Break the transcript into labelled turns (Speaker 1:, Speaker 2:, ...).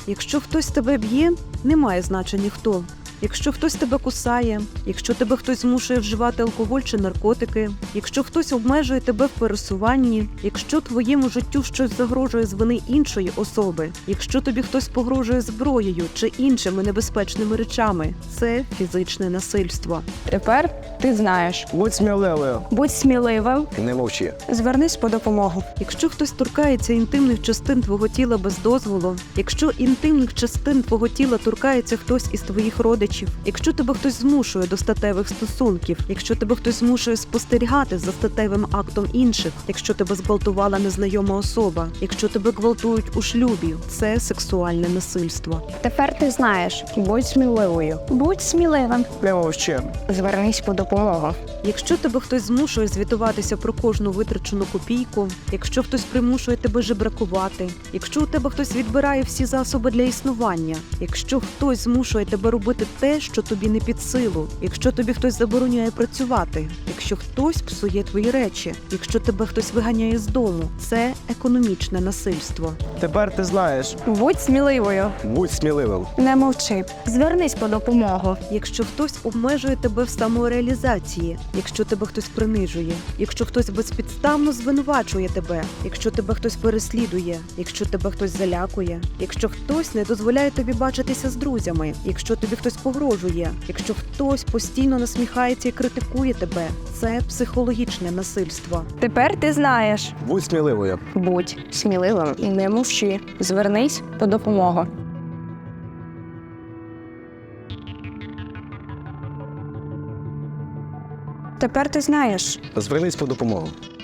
Speaker 1: Якщо хтось тебе б'є, немає значення хто. Якщо хтось тебе кусає, якщо тебе хтось змушує вживати алкоголь чи наркотики, якщо хтось обмежує тебе в пересуванні, якщо твоєму життю щось загрожує з вини іншої особи, якщо тобі хтось погрожує зброєю чи іншими небезпечними речами, це фізичне насильство.
Speaker 2: Тепер ти знаєш.
Speaker 3: Будь сміливою.
Speaker 2: Будь сміливим.
Speaker 3: Не мовчи.
Speaker 2: Звернись по допомогу.
Speaker 1: Якщо хтось торкається інтимних частин твого тіла без дозволу, якщо інтимних частин твого тіла торкається хтось із твоїх родичів, якщо тебе хтось змушує до статевих стосунків, якщо тебе хтось змушує спостерігати за статевим актом інших, якщо тебе зґвалтувала незнайома особа, якщо тебе гвалтують у шлюбі, це сексуальне насильство.
Speaker 2: Тепер ти знаєш. Будь сміливою. Будь сміливим.
Speaker 3: Не мовчи.
Speaker 2: Звернись по допомогу.
Speaker 1: Якщо тебе хтось змушує звітуватися про кожну витрачену копійку, якщо хтось примушує тебе жебракувати, якщо у тебе хтось відбирає всі засоби для існування, якщо хтось змушує тебе робити те, що тобі не під силу, якщо тобі хтось забороняє працювати, якщо хтось псує твої речі, якщо тебе хтось виганяє з дому, це економічне насильство.
Speaker 3: Тепер ти знаєш.
Speaker 2: Будь сміливою.
Speaker 3: Будь сміливим.
Speaker 2: Не мовчи. Звернись по допомогу.
Speaker 1: Якщо хтось обмежує тебе в самореалізації, якщо тебе хтось принижує, якщо хтось безпідставно звинувачує тебе, якщо тебе хтось переслідує, якщо тебе хтось залякує, якщо хтось не дозволяє тобі бачитися з друзями, якщо тобі хтось погрожує, якщо хтось постійно насміхається і критикує тебе, це психологічне насильство.
Speaker 2: Тепер ти знаєш.
Speaker 3: Будь сміливою.
Speaker 2: Будь сміливим. Не мовчи. Звернись по допомогу. Тепер ти знаєш.
Speaker 3: Звернись по допомогу.